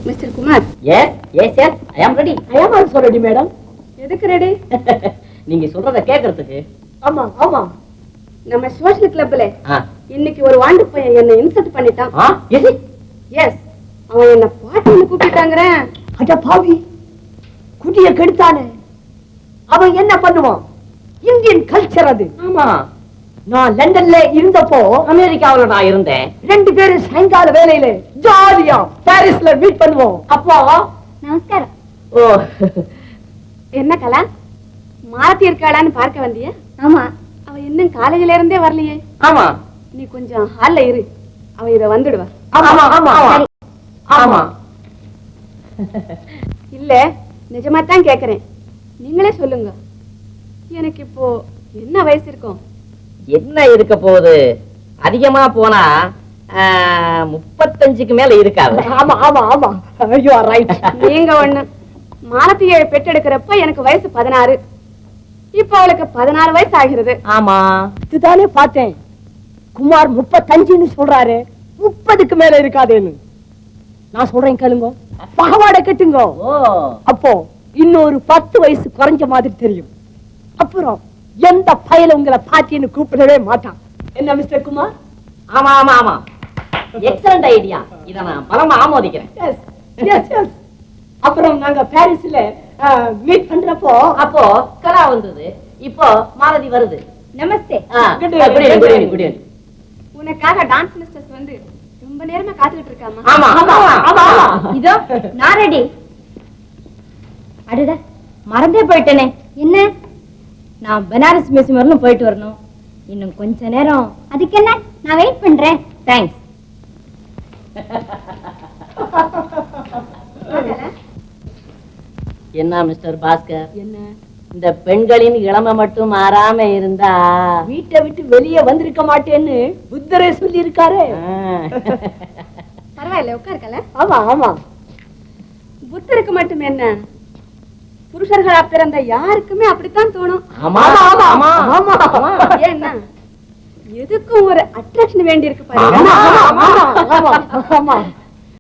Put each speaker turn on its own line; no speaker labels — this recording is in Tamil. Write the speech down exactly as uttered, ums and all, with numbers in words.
Mister Kumar.
Yes yes yes I am ready.
I am also ready madam.
எதுக்கு ரெடி?
நீங்க சொல்றத கேக்குறதுக்கு.
ஆமா ஆமா.
நம்ம சோஷியல் கிளப்ல இன்னைக்கு ஒரு வாண்டு பையன் என்ன இன்சல்ட் பண்ணிட்டான்.
எஸ்
எஸ் அவன் என்ன பாட்டின்னு கூப்பிட்டாங்கற.
அட பாவி, குடிய கெடுத்தானே. அவன் என்ன பண்ணுவான்? இந்தியன் கல்ச்சர் அது.
ஆமா,
நான் லண்டன்ல இருந்தப்போ
அமெரிக்காவுல நான் இருந்தேன்.
ரெண்டு பேரும் சாயங்கால வேலையில ஜாலியா பாரிஸ்ல மீட் பண்ணுவோம். அப்போ
நமஸ்காரம்.
ஓ
என்ன கலா, மாலத்தி இருக்காளான்னு பார்க்க வந்தியா?
ஆமா.
அவ இன்னும் காலேஜ்ல இருந்தே வரலையே.
ஆமா,
நீ கொஞ்சம் ஹால்ல இரு, அவ இத வந்துடுவா.
ஆமா ஆமா
ஆமா.
இல்ல நிஜமா தான் கேக்குறேன், நீங்களே சொல்லுங்க. எனக்கு இப்போ என்ன வயசு இருக்கும்?
என்ன இருக்க போகுது? அதிகமா போனா முப்பத்தஞ்சுக்கு மேல இருக்காது.
ஆமா ஆமா ஆமா, யூ ஆர் ரைட்.
நீங்க ஒண்ணு, மாலத்தியை பெற்றெடுக்கிறப்ப எனக்கு வயசு பதினாறு, இப்ப அவளுக்கு பதினாறு வயசு ஆகிறது.
ஆமா,
இதுதானே பார்த்தேன். குமார் முப்பத்தஞ்சுன்னு சொல்றாரு, முப்பதுக்கு மேல இருக்காதேன்னு. நான் சொல்றேன் கேளுங்க, பாவாடை கட்டுங்க. அப்போ இன்னொரு பத்து வயசு குறைஞ்ச மாதிரி தெரியும். அப்புறம் எந்த பயல உங்களை பாட்டின்னு கூப்பிடவே மாட்டான். என்ன மிஸ்டர் குமார்?
ஆமா ஆமா ஆமா, எக்ஸலண்ட் ஐடியா. இத நான் பலமா ஆமோதிக்கிறேன்.
S yes S. அப்புறம் நாங்க பாரிஸ்ல மீட் பண்றப்போ
அப்போ கலா வந்தது, இப்போ மாலதி வருது.
நமஸ்தே. உனக்காக டான்ஸ் மிஸ்டர்ஸ் வந்து ரொம்ப நேரமா காத்துக்கிட்டு இருக்காமா.
ஆமா ஆமா ஆமா.
இதோ நான் ரெடி. அடடா, மறந்தே போயிட்டேனே. என்ன? நான் பனாரஸ் மியூசியம் வரணும், போயிட்டு வரணும். இன்னும் கொஞ்ச நேரம். அதுக்கு என்ன, நான் வெயிட் பண்றேன். தேங்க்ஸ்.
என்ன மிஸ்டர் பாஸ்கர்,
என்ன
இந்த பெண்களின் இளமை மட்டும் மாறாம இருந்தா
வீட்டை விட்டு வெளியே வந்திருக்க மாட்டேன்னு புத்தரே சொல்லி இருக்காரு.
பரவாயில்ல, உட்காருக்கல.
ஆமா ஆமா.
புத்தருக்கு மட்டும் என்ன, புருஷர்களா பிறந்த யாருக்குமே அப்படித்தான் தோணும்.
ஆமா ஆமா ஆமா ஆமா.
ஏன்னா எதுக்கும் ஒரு அட்ராக்ஷன் வேண்டி இருக்கு
பாருங்க.